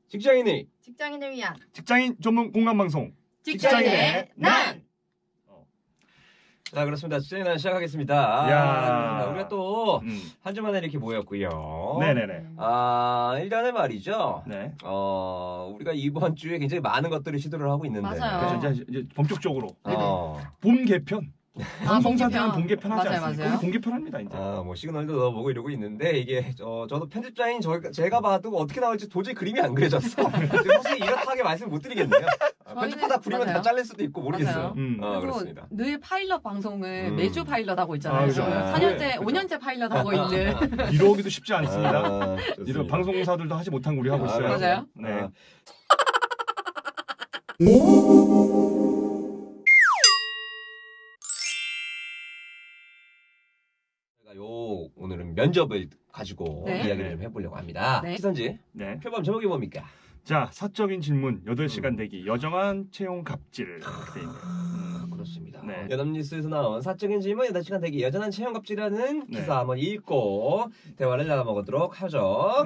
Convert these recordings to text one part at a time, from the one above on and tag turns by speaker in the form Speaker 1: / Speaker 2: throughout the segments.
Speaker 1: 직장인을 위한
Speaker 2: 직장인 전문 공감 방송.
Speaker 1: 직장인의 난.
Speaker 3: 자, 그렇습니다. 직장인의 난 시작하겠습니다.
Speaker 2: 야.
Speaker 3: 우리가 또 한 주 만에 이렇게 모였고요.
Speaker 2: 네네네.
Speaker 3: 일단은 말이죠.
Speaker 2: 네.
Speaker 3: 우리가 이번 주에 굉장히 많은 것들을 시도를 하고 있는데.
Speaker 1: 맞아요.
Speaker 2: 그래서 이제 본격적으로
Speaker 3: 어,
Speaker 2: 봄 개편. 방송사들은 봄 개편 하지
Speaker 1: 맞아요,
Speaker 2: 않습니까?
Speaker 1: 맞아요.
Speaker 2: 봄 개편 합니다 이제.
Speaker 3: 뭐 시그널도 넣어보고 이러고 있는데 이게 저도 편집자인 제가 봐도 어떻게 나올지 도저히 그림이 안 그려졌어. 혹시 이렇다하게 말씀 못 드리겠네요. 편집하다 부리면 다
Speaker 1: 맞아요.
Speaker 3: 잘릴 수도 있고 모르겠어요.
Speaker 1: 그리고
Speaker 3: 그렇습니다.
Speaker 1: 늘 파일럿 방송을 매주 파일럿 하고 있잖아요.
Speaker 2: 그죠.
Speaker 1: 4년째,
Speaker 3: 그죠.
Speaker 1: 5년째 파일럿 하고 있는.
Speaker 2: 이러기도 쉽지 않습니다.
Speaker 3: 좋습니다.
Speaker 2: 이런 방송사들도 하지 못한 거 우리 하고 있어요.
Speaker 1: 맞아요.
Speaker 2: 네.
Speaker 3: 제가 오늘은 면접을 가지고
Speaker 1: 네.
Speaker 3: 이야기를 좀 해보려고 합니다.
Speaker 1: 네.
Speaker 3: 시선지
Speaker 2: 네.
Speaker 3: 표범 제목이 뭡니까?
Speaker 2: 자, 사적인 질문 8시간 대기 여정한 채용 갑질 이렇게 돼 있네요.
Speaker 3: 그렇습니다.
Speaker 2: 네.
Speaker 3: 여담뉴스에서 나온 사적인 질문 8시간 대기 여전한 채용 갑질이라는
Speaker 2: 네.
Speaker 3: 기사 한번 읽고 대화를 나눠보도록 하죠.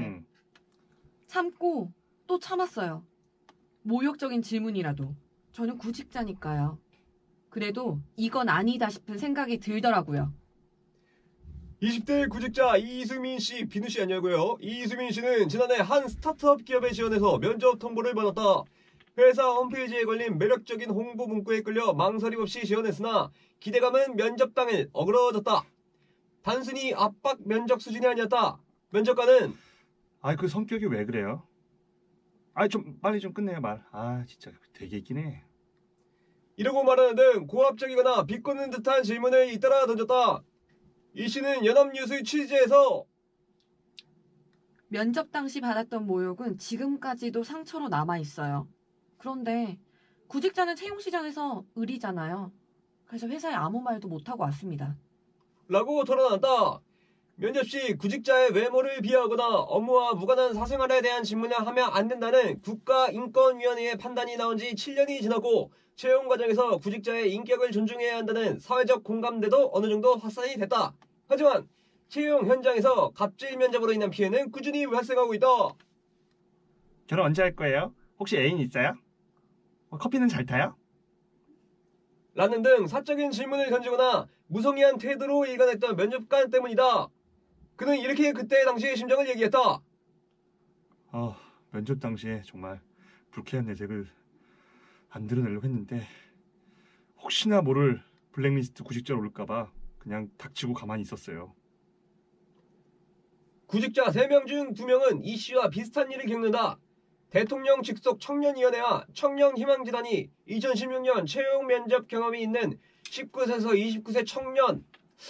Speaker 1: 참고 또 참았어요. 모욕적인 질문이라도. 저는 구직자니까요. 그래도 이건 아니다 싶은 생각이 들더라고요.
Speaker 3: 20대 구직자 이수민 씨, 비누 씨 아니고요. 이수민 씨는 지난해 한 스타트업 기업에 지원해서 면접 통보를 받았다. 회사 홈페이지에 걸린 매력적인 홍보 문구에 끌려 망설임 없이 지원했으나 기대감은 면접 당일 어그러졌다. 단순히 압박 면접 수준이 아니었다. 면접관은
Speaker 2: 그 성격이 왜 그래요? 좀 빨리 좀 끝내요 말. 진짜 되게 있긴 해.
Speaker 3: 이러고 말하는 등 고압적이거나 비꼬는 듯한 질문을 잇따라 던졌다. 이 씨는 연합뉴스 취재에서
Speaker 1: 면접 당시 받았던 모욕은 지금까지도 상처로 남아있어요. 그런데 구직자는 채용시장에서 을이잖아요. 그래서 회사에 아무 말도 못하고 왔습니다.
Speaker 3: 라고 토론한다. 면접 시 구직자의 외모를 비하하거나 업무와 무관한 사생활에 대한 질문을 하면 안 된다는 국가인권위원회의 판단이 나온 지 7년이 지났고 채용 과정에서 구직자의 인격을 존중해야 한다는 사회적 공감대도 어느 정도 확산이 됐다. 하지만 채용 현장에서 갑질 면접으로 인한 피해는 꾸준히 발생하고 있다.
Speaker 2: 결혼 언제 할 거예요? 혹시 애인 있어요? 커피는 잘 타요?
Speaker 3: 라는 등 사적인 질문을 던지거나 무성의한 태도로 일관했던 면접관 때문이다. 그는 이렇게 그때 당시의 심정을 얘기했다.
Speaker 2: 면접 당시에 정말 불쾌한 내색을 안 드러내려고 했는데 혹시나 모를 블랙리스트 구직자로 올까봐 그냥 닥치고 가만히 있었어요.
Speaker 3: 구직자 3명 중 2명은 이 씨와 비슷한 일을 겪는다. 대통령 직속 청년위원회와 청년희망재단이 2016년 채용 면접 경험이 있는 19세에서 29세 청년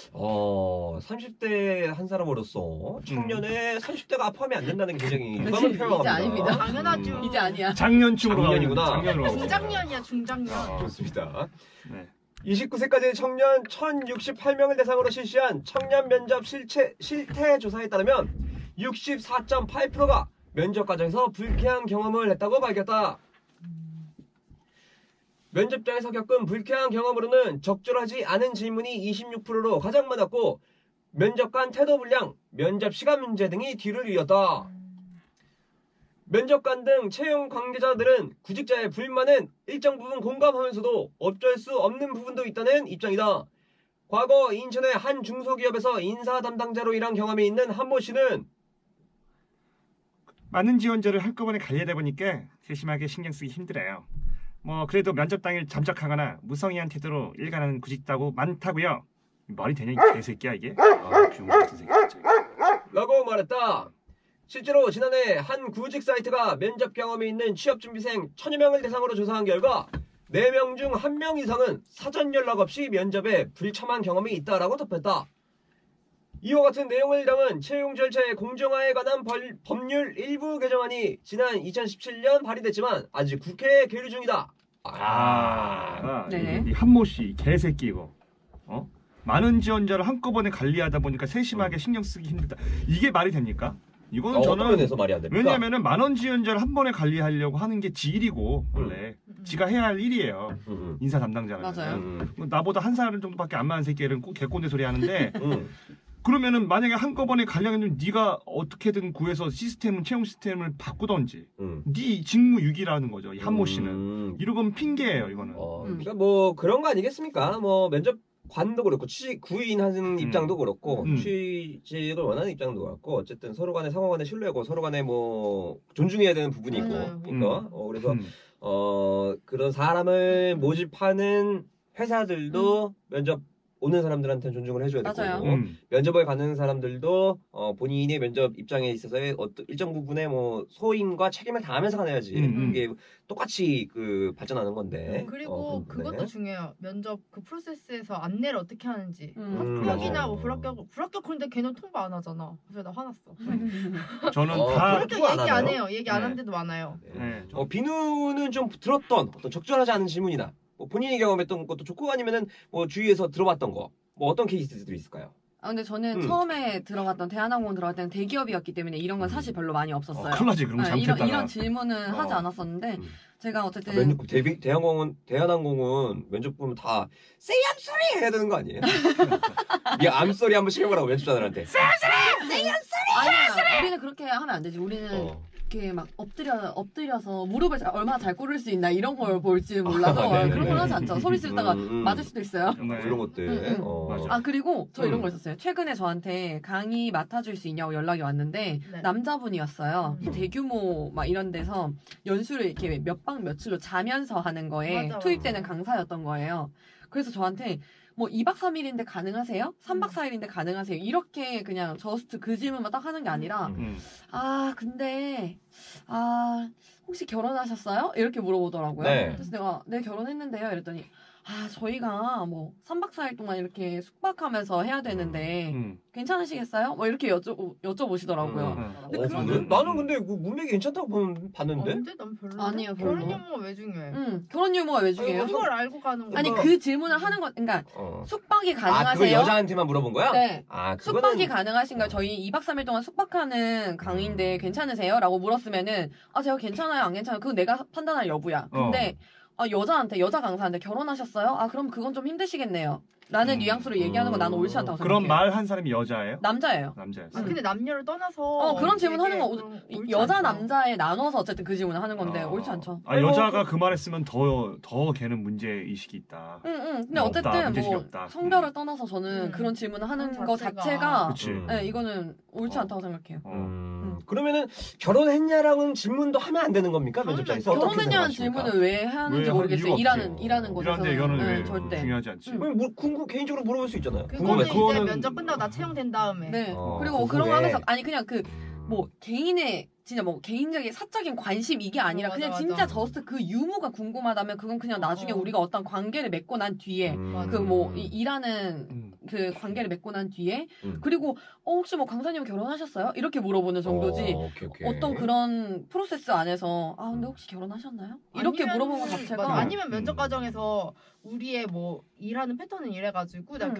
Speaker 3: 30대 한 사람으로서 청년의 30대가 포함이 안 된다는 게 굉장히 유감을 표명합니다.
Speaker 1: 이제 아닙니다.
Speaker 4: 당연하죠.
Speaker 1: 이제 아니야.
Speaker 2: 작년쯤으로
Speaker 3: 작년이구나.
Speaker 2: 작년으로 가고
Speaker 4: 중장년이야 중장년.
Speaker 3: 좋습니다.
Speaker 2: 네.
Speaker 3: 29세까지 청년 1068명을 대상으로 실시한 청년 면접 실태 조사에 따르면 64.8%가 면접 과정에서 불쾌한 경험을 했다고 밝혔다. 면접장에서 겪은 불쾌한 경험으로는 적절하지 않은 질문이 26%로 가장 많았고 면접관 태도 불량, 면접 시간 문제 등이 뒤를 이었다. 면접관 등 채용 관계자들은 구직자의 불만은 일정 부분 공감하면서도 어쩔 수 없는 부분도 있다는 입장이다. 과거 인천의 한 중소기업에서 인사 담당자로 일한 경험이 있는 한모 씨는
Speaker 2: 많은 지원자를 한꺼번에 관리하다 보니까 세심하게 신경 쓰기 힘들어요. 그래도 면접 당일 잠적하거나 무성의한 태도로 일관하는 구직자고 많다고요. 말이 되냐 이 개새끼야 이게? 비용 같은 새끼 진짜.
Speaker 3: 라고 말했다. 실제로 지난해 한 구직 사이트가 면접 경험이 있는 취업준비생 1000여 명을 대상으로 조사한 결과 4명 중 1명 이상은 사전 연락 없이 면접에 불참한 경험이 있다라고 덧붙였다. 이와 같은 내용을 담은 채용 절차의 공정화에 관한 법률 일부 개정안이 지난 2017년 발의됐지만 아직 국회에 계류 중이다.
Speaker 1: 네.
Speaker 2: 이 한모 씨 개새끼 이거. 많은 지원자를 한꺼번에 관리하다 보니까 세심하게 신경 쓰기 힘들다. 이게 말이 됩니까? 이거는
Speaker 3: 어떤
Speaker 2: 저는
Speaker 3: 면에서 말이 안 됩니까?
Speaker 2: 왜냐면은 많은 지원자를 한 번에 관리하려고 하는 게 지 일이고 원래 지가 해야 할 일이에요. 인사 담당자는.
Speaker 1: 맞아요.
Speaker 2: 나보다 한 살 정도밖에 안 많은 새끼들은 꼭 개꼰대 소리 하는데 그러면은 만약에 한꺼번에 가려면 네가 어떻게든 구해서 채용 시스템을 바꾸던지 네 직무유기라는 거죠. 이 한모 씨는. 이러면 핑계예요, 이거는.
Speaker 3: 그러니까 뭐 그런 거 아니겠습니까? 뭐 면접관도 그렇고 구인하는 입장도 그렇고 취직을 원하는 입장도 그렇고 어쨌든 서로 간에 상호 간의 신뢰고 서로 간에 뭐 존중해야 되는 부분이 있고 그러니까 그래서 그런 사람을 모집하는 회사들도 면접 오는 사람들한테는 존중을 해줘야 될
Speaker 1: 맞아요.
Speaker 3: 거고 면접을 가는 사람들도 본인의 면접 입장에 있어서의 어떤 일정 부분의 뭐 소임과 책임을 다하면서 가야지 이게 똑같이 그 발전하는 건데
Speaker 4: 그리고
Speaker 3: 그런 부분에.
Speaker 4: 그것도 중요해요. 면접 그 프로세스에서 안내를 어떻게 하는지 합격이나
Speaker 3: 맞아요.
Speaker 4: 뭐 불합격 그런데 걔는 통보 안 하잖아. 그래서 나 화났어.
Speaker 2: 저는
Speaker 3: 어,
Speaker 2: 다
Speaker 3: 그렇게
Speaker 4: 불합격 얘기 안
Speaker 3: 하나요?
Speaker 4: 해요. 얘기 안
Speaker 3: 네.
Speaker 4: 한 데도 많아요.
Speaker 2: 네.
Speaker 3: 비누는 좀 들었던 어떤 적절하지 않은 질문이나 뭐 본인이 경험했던 것도 좋고 아니면은 뭐 주위에서 들어봤던 거 뭐 어떤 케이스들이 있을까요?
Speaker 1: 아, 근데 저는 처음에 들어갔던 대한항공 들어갈 때는 대기업이었기 때문에 이런 건 사실 별로 많이 없었어요.
Speaker 2: 큰일 나지, 그럼
Speaker 1: 네,
Speaker 2: 잘못했다가.
Speaker 1: 이런 질문은 하지 않았었는데 제가 어쨌든
Speaker 3: 대한항공은 면접 보면 다 say I'm sorry 해야 되는 거 아니에요? 이 I'm sorry 한번 시켜보라고 면접자들한테.
Speaker 1: 아니야, 우리는 그렇게 하면 안 되지. 우리는 이렇게 막 엎드려서 무릎을 얼마나 잘 꿇을 수 있나 이런 걸 볼지 몰라서 그런 걸 하지 않죠. 소리 지르다가 맞을 수도 있어요.
Speaker 2: 네.
Speaker 3: 이런 것들.
Speaker 2: 맞아.
Speaker 1: 아, 그리고 저 이런 거 있었어요. 최근에 저한테 강의 맡아줄 수 있냐고 연락이 왔는데
Speaker 4: 네.
Speaker 1: 남자분이었어요. 대규모 막 이런 데서 연수를 이렇게 몇 박 며칠로 자면서 하는 거에
Speaker 4: 맞아,
Speaker 1: 투입되는 강사였던 거예요. 그래서 저한테 뭐 2박 3일인데 가능하세요? 3박 4일인데 가능하세요? 이렇게 그냥 저스트 그 질문만 딱 하는 게 아니라 아, 근데 혹시 결혼하셨어요? 이렇게 물어보더라고요.
Speaker 3: 네.
Speaker 1: 그래서 내가 네, 결혼했는데요. 이랬더니 저희가 뭐 3박 4일 동안 이렇게 숙박하면서 해야 되는데 괜찮으시겠어요? 뭐 이렇게 여쭤보시더라고요.
Speaker 3: 나는 근데 그 문맥이 괜찮다고 봤는데?
Speaker 4: 근데 난 별로.
Speaker 1: 아니에요, 별로.
Speaker 4: 결혼 유무가 왜 중요해?
Speaker 1: 결혼 유무가 왜 중요해요?
Speaker 4: 그걸 알고 가는 거.
Speaker 1: 아니 그 질문을 하는 거 그러니까 숙박이
Speaker 3: 그걸
Speaker 1: 가능하세요?
Speaker 3: 여자한테만 물어본 거야?
Speaker 1: 네.
Speaker 3: 아,
Speaker 1: 숙박이 가능하신가요? 저희 2박 3일 동안 숙박하는 강의인데 괜찮으세요? 라고 물었으면은 제가 괜찮아요, 안 괜찮아요? 그건 내가 판단할 여부야. 근데 여자 강사한테 결혼하셨어요? 그럼 그건 좀 힘드시겠네요. 라는 뉘앙스로 얘기하는 건 나는 옳지 않다고 생각해요.
Speaker 2: 그런 말 한 사람이 여자예요?
Speaker 1: 남자예요.
Speaker 2: 남자였어요.
Speaker 4: 근데 남녀를 떠나서
Speaker 1: 그런 질문 하는 거
Speaker 4: 옳지
Speaker 1: 여자
Speaker 4: 않죠.
Speaker 1: 남자에 나눠서 어쨌든 그 질문을 하는 건데 옳지 않죠.
Speaker 2: 여자가 그 말했으면 더 걔는 문제 의식이 있다.
Speaker 1: 근데
Speaker 2: 없다,
Speaker 1: 어쨌든
Speaker 2: 문제식이
Speaker 1: 뭐
Speaker 2: 없다.
Speaker 1: 성별을 떠나서 저는 그런 질문을 하는
Speaker 4: 그런
Speaker 1: 거
Speaker 4: 자체가.
Speaker 1: 자체가
Speaker 2: 그치.
Speaker 1: 네, 이거는 옳지 않다고 생각해요.
Speaker 3: 그러면은 결혼했냐라는 질문도 하면 안 되는 겁니까? 면접장에서 어떻게
Speaker 1: 결혼했냐는
Speaker 3: 생각하십니까?
Speaker 1: 질문을 왜 하는지
Speaker 2: 왜 할
Speaker 1: 모르겠어요.
Speaker 2: 이유가
Speaker 1: 일하는
Speaker 2: 없죠.
Speaker 1: 곳에서
Speaker 2: 일하는데 이거는 왜
Speaker 1: 절대.
Speaker 2: 중요하지 않지.
Speaker 3: 개인적으로 물어볼 수 있잖아요.
Speaker 4: 그거는 이제
Speaker 2: 그거는-
Speaker 4: 면접 끝나고 나 채용된 다음에.
Speaker 1: 네.
Speaker 3: 어,
Speaker 1: 그리고
Speaker 3: 그
Speaker 1: 그런 거
Speaker 3: 후에.
Speaker 1: 하면서 그냥 뭐 개인의 진짜 뭐 개인적인 사적인 관심 이게 아니라
Speaker 4: 맞아,
Speaker 1: 그냥
Speaker 4: 맞아.
Speaker 1: 진짜 저스트 그 유무가 궁금하다면 그건 그냥 나중에 우리가 어떤 관계를 맺고 난 뒤에
Speaker 4: 맞아.
Speaker 1: 그 뭐 일하는 그 관계를 맺고 난 뒤에 그리고 혹시 뭐 강사님 결혼하셨어요? 이렇게 물어보는 정도지.
Speaker 3: 오케이.
Speaker 1: 어떤 그런 프로세스 안에서 근데 혹시 결혼하셨나요? 이렇게
Speaker 4: 아니면-
Speaker 1: 물어보는 것 자체가
Speaker 4: 맞아. 아니면 면접 과정에서 우리의 뭐 일하는 패턴은 이래가지고 난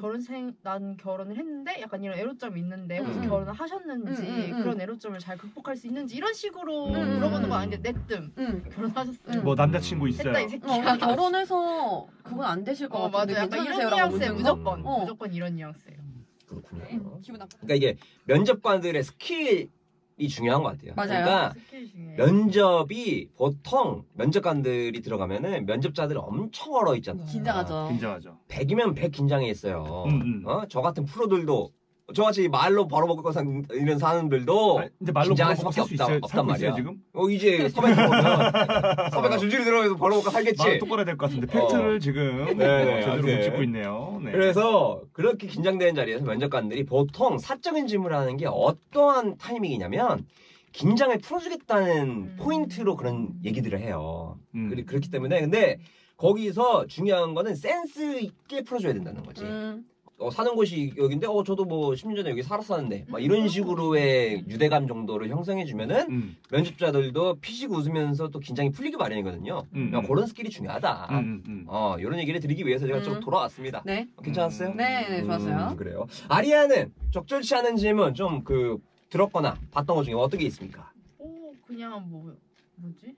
Speaker 4: 결혼을 했는데 약간 이런 애로점이 있는데 혹시 결혼을 하셨는지 그런 애로점을 잘 극복할 수 있는지 이런 식으로 물어보는 거 아닌데 내뜸 결혼하셨어요.
Speaker 2: 뭐 남자친구 있어요.
Speaker 4: 했다 이 새끼야.
Speaker 1: 결혼해서 그건 안 되실 것 같은데
Speaker 4: 맞아. 약간 이런
Speaker 1: 괜찮으세요라고
Speaker 4: 뉘앙스에
Speaker 1: 묻는 거?
Speaker 4: 무조건 이런 뉘앙스예요.
Speaker 3: 그렇군요.
Speaker 1: 기분 나빠.
Speaker 3: 그러니까 이게 면접관들의 스킬이 중요한 것 같아요.
Speaker 1: 맞아요.
Speaker 3: 그러니까
Speaker 4: 스킬 중에.
Speaker 3: 면접이 보통 면접관들이 들어가면은 면접자들이 엄청 얼어 있잖아.
Speaker 1: 긴장하죠.
Speaker 2: 긴장하죠.
Speaker 3: 100이면 100 긴장해 있어요. 저 같은 프로들도 저같이 말로 벌어먹고 이런 사람들도
Speaker 2: 근데 말로
Speaker 3: 긴장할
Speaker 2: 벌어먹고
Speaker 3: 수밖에
Speaker 2: 살수
Speaker 3: 없단
Speaker 2: 살고
Speaker 3: 말이야.
Speaker 2: 있어요, 지금?
Speaker 3: 이제 섭외 들어오면 섭외가 줄줄이 들어오면서 벌어먹고 살겠지.
Speaker 2: 말 똑바로 해야 될 것 같은데 팩트를 지금
Speaker 3: 네,
Speaker 2: 제대로 못
Speaker 3: 네.
Speaker 2: 짚고 있네요. 네.
Speaker 3: 그래서 그렇게 긴장되는 자리에서 면접관들이 보통 사적인 질문을 하는 게 어떠한 타이밍이냐면 긴장을 풀어주겠다는 포인트로 그런 얘기들을 해요. 그렇기 때문에 근데 거기서 중요한 거는 센스 있게 풀어줘야 된다는 거지. 사는 곳이 여긴데 저도 뭐 10년 전에 여기 살았었는데 막 이런 식으로의 유대감 정도를 형성해 주면은 면접자들도 피식 웃으면서 또 긴장이 풀리기 마련이거든요. 그런 스킬이 중요하다. 이런 얘기를 드리기 위해서 제가 좀 돌아왔습니다.
Speaker 1: 네.
Speaker 3: 괜찮았어요?
Speaker 1: 네, 좋았어요.
Speaker 3: 그래요. 아리아는 적절치 않은 질문 좀 들었거나 봤던 것 중에 어떤 게 있습니까?
Speaker 4: 그냥 뭐지?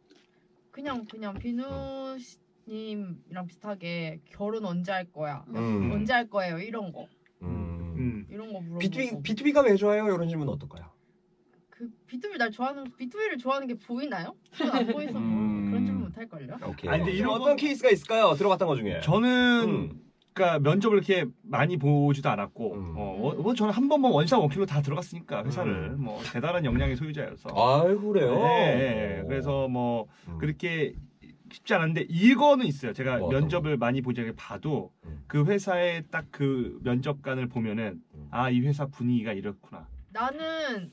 Speaker 4: 그냥 비누 님이랑 비슷하게 결혼 언제 할 거야? 언제 할 거예요? 이런 거. 이런 거 물어보고.
Speaker 3: B2B가 왜 좋아요? 이런 질문 어떨까요?
Speaker 4: 그 B2B를 좋아하는 게 보이나요? 저는 안 보여서 뭐 그런 질문 못 할 걸요.
Speaker 3: 오케이.
Speaker 2: 아니, 근데 이런
Speaker 3: 어떤 케이스가 있을까요? 들어봤던 것 중에.
Speaker 2: 저는 그러니까 면접을 이렇게 많이 보지도 않았고 저는 한 번만 원샷 원킬로 다 들어갔으니까 회사를 뭐 대단한 역량의 소유자여서
Speaker 3: 아이고 그래요.
Speaker 2: 네, 그래서 뭐 그렇게 쉽지 않은데 이거는 있어요. 제가
Speaker 3: 뭐
Speaker 2: 면접을 많이 보지 봐도 그 회사의 딱 그 면접관을 보면은 아, 이 회사 분위기가 이렇구나.
Speaker 4: 나는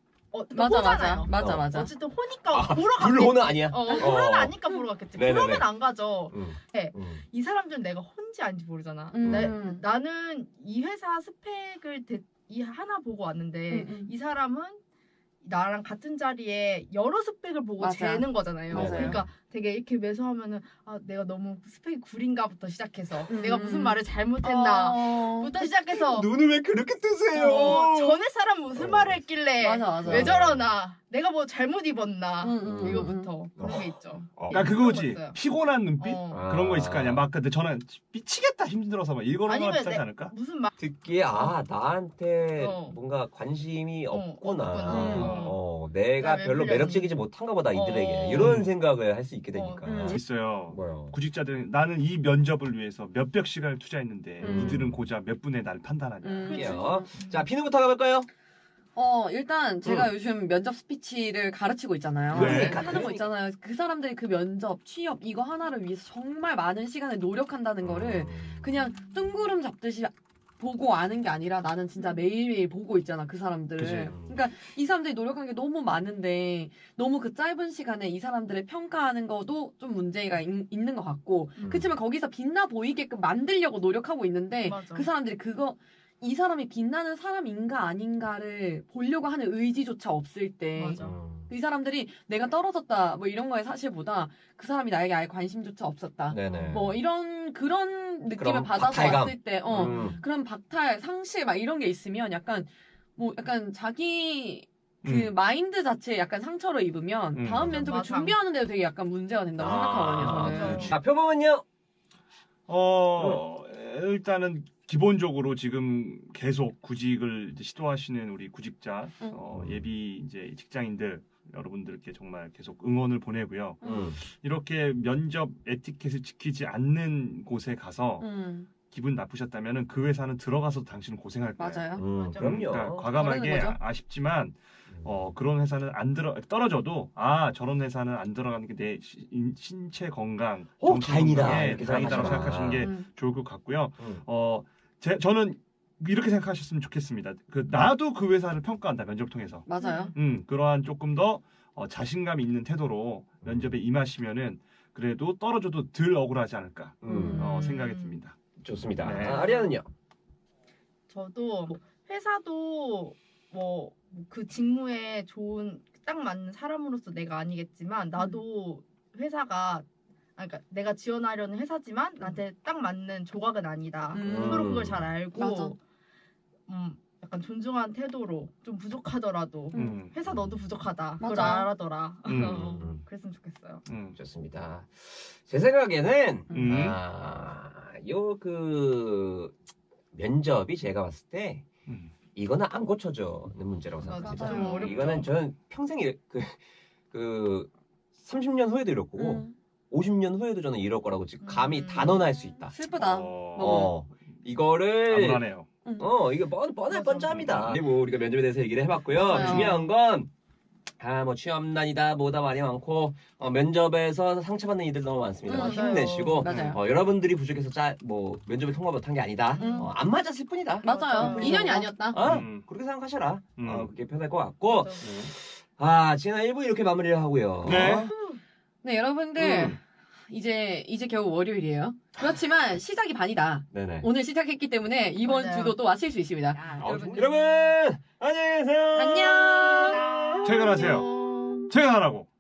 Speaker 1: 맞아.
Speaker 4: 어쨌든 호니까 보러 갔겠지.
Speaker 3: 불호는 아니야.
Speaker 4: 불호는 아니까 보러 갔겠지.
Speaker 3: 네네네.
Speaker 4: 그러면 안 가죠. 네.
Speaker 3: 음.
Speaker 4: 이 사람들은 내가 혼지 아닌지 모르잖아. 나는 이 회사 스펙을 하나 보고 왔는데 이 사람은 나랑 같은 자리에 여러 스펙을 보고
Speaker 1: 맞아.
Speaker 4: 재는 거잖아요.
Speaker 3: 맞아요.
Speaker 4: 그러니까 되게 이렇게 매서하면은 아 내가 너무 스펙이 구린가부터 시작해서 내가 무슨 말을 잘못했나부터 시작해서
Speaker 3: 눈을 왜 그렇게 뜨세요?
Speaker 4: 전에 사람 무슨 말을 했길래
Speaker 1: 맞아.
Speaker 4: 왜 저러나 내가 뭐 잘못 입었나 이거부터 그런 게 있죠.
Speaker 2: 그러니까 그거지.
Speaker 4: 물어봤어요.
Speaker 2: 피곤한 눈빛 그런 거 있을 거 아니야. 막 근데 저는 미치겠다 힘들어서 막 이거랑
Speaker 4: 아니면
Speaker 2: 비슷하지 않을까?
Speaker 4: 무슨 말
Speaker 3: 듣기에 나한테 뭔가 관심이 없구나. 내가
Speaker 4: 왜
Speaker 3: 별로
Speaker 4: 불렸니?
Speaker 3: 매력적이지 못한가 보다 이들에게 이런 생각을 할 수 있게 되니까.
Speaker 2: 있어요.
Speaker 3: 뭐요?
Speaker 2: 구직자들은 나는 이 면접을 위해서 몇백 시간을 투자했는데
Speaker 1: 음.
Speaker 2: 이들은 고작 몇 분에 날 판단하냐.
Speaker 3: 할게요. 자, 비누부터 가볼까요?
Speaker 1: 일단 제가 요즘 면접 스피치를 가르치고 있잖아요.
Speaker 2: 네.
Speaker 1: 하는 거 있잖아요. 그 사람들이 그 면접, 취업 이거 하나를 위해서 정말 많은 시간을 노력한다는 거를 그냥 뜬구름 잡듯이 보고 아는 게 아니라 나는 진짜 매일매일 보고 있잖아, 그 사람들을.
Speaker 2: 그치.
Speaker 1: 그러니까 이 사람들이 노력한 게 너무 많은데 너무 그 짧은 시간에 이 사람들을 평가하는 것도 좀 문제가 있는 것 같고 그렇지만 거기서 빛나 보이게끔 만들려고 노력하고 있는데
Speaker 4: 맞아.
Speaker 1: 그 사람들이 이 사람이 빛나는 사람인가 아닌가를 보려고 하는 의지조차 없을 때 이 사람들이 내가 떨어졌다 뭐 이런 거에 사실보다 그 사람이 나에게 아예 관심조차 없었다.
Speaker 3: 네네.
Speaker 1: 뭐 그런 느낌을
Speaker 3: 그럼
Speaker 1: 받아서
Speaker 3: 박탈감.
Speaker 1: 왔을 때 그런 박탈, 상실 막 이런 게 있으면 약간 자기 그 마인드 자체에 약간 상처를 입으면 다음 면접을
Speaker 4: 맞아.
Speaker 1: 준비하는데도 되게 약간 문제가 된다고 생각하거든요. 저는.
Speaker 3: 자, 표범은요?
Speaker 2: 일단은 기본적으로 지금 계속 구직을 이제 시도하시는 우리 구직자 예비 이제 직장인들 여러분들께 정말 계속 응원을 보내고요. 이렇게 면접 에티켓을 지키지 않는 곳에 가서 기분 나쁘셨다면은 그 회사는 들어가서 당신은 고생할 거예요.
Speaker 1: 맞아요.
Speaker 3: 그럼요.
Speaker 1: 거죠.
Speaker 2: 그러니까 과감하게 아쉽지만 그런 회사는 떨어져도 저런 회사는 안 들어가는 게 내 신체 건강, 정신
Speaker 3: 다행이다.
Speaker 2: 건강에
Speaker 3: 이렇게
Speaker 2: 다행이다라고
Speaker 3: 생각하시구나.
Speaker 2: 생각하시는 게 좋을 것 같고요. 저는 이렇게 생각하셨으면 좋겠습니다. 나도 그 회사를 평가한다 면접 통해서.
Speaker 1: 맞아요.
Speaker 2: 그러한 조금 더 자신감 있는 태도로 면접에 임하시면은 그래도 떨어져도 덜 억울하지 않을까 생각이 듭니다.
Speaker 3: 좋습니다.
Speaker 2: 네.
Speaker 3: 아리아는요?
Speaker 4: 저도 회사도 뭐 그 직무에 딱 맞는 사람으로서 내가 아니겠지만 나도 회사가 그러니까 내가 지원하려는 회사지만 나한테 딱 맞는 조각은 아니다. 서로 그걸 잘 알고
Speaker 1: 맞아.
Speaker 4: 약간 존중한 태도로 좀 부족하더라도 회사 너도 부족하다. 그걸
Speaker 1: 맞아.
Speaker 4: 알아더라. 그랬으면 좋겠어요.
Speaker 3: 좋습니다. 제 생각에는 면접이 제가 봤을 때 이거는 안 고쳐져는 문제라고 생각합니다.
Speaker 4: 좀 어렵죠.
Speaker 3: 이거는 저는 평생 30년 후에도 이럴 거고 50년 후에도 저는 이럴 거라고 지금 감히 단언할 수 있다.
Speaker 1: 슬프다.
Speaker 3: 이거를
Speaker 2: 암울하네요.
Speaker 3: 이게 뻔할
Speaker 4: 맞아.
Speaker 3: 뻔짜입니다. 그리고 우리가 면접에 대해서 얘기를 해봤고요.
Speaker 1: 맞아요.
Speaker 3: 중요한 건 뭐 취업난이다 뭐다 말이 많고 면접에서 상처받는 이들 너무 많습니다.
Speaker 4: 맞아요.
Speaker 3: 힘내시고
Speaker 1: 맞아요.
Speaker 3: 여러분들이 부족해서 면접에 통과 못한 게 아니다. 안 맞았을 뿐이다.
Speaker 1: 맞아요. 인연이 아니었다.
Speaker 3: 그렇게 생각하셔라. 그게 편할 것 같고 지난 1부 이렇게 마무리를 하고요.
Speaker 2: 네.
Speaker 1: 네, 여러분들 이제 겨우 월요일이에요. 그렇지만 시작이 반이다.
Speaker 3: 네네.
Speaker 1: 오늘 시작했기 때문에 이번
Speaker 4: 맞아요.
Speaker 1: 주도 또 마칠 수 있습니다.
Speaker 3: 여러분 안녕히 계세요.
Speaker 1: 안녕.
Speaker 2: 퇴근하세요. 퇴근하라고.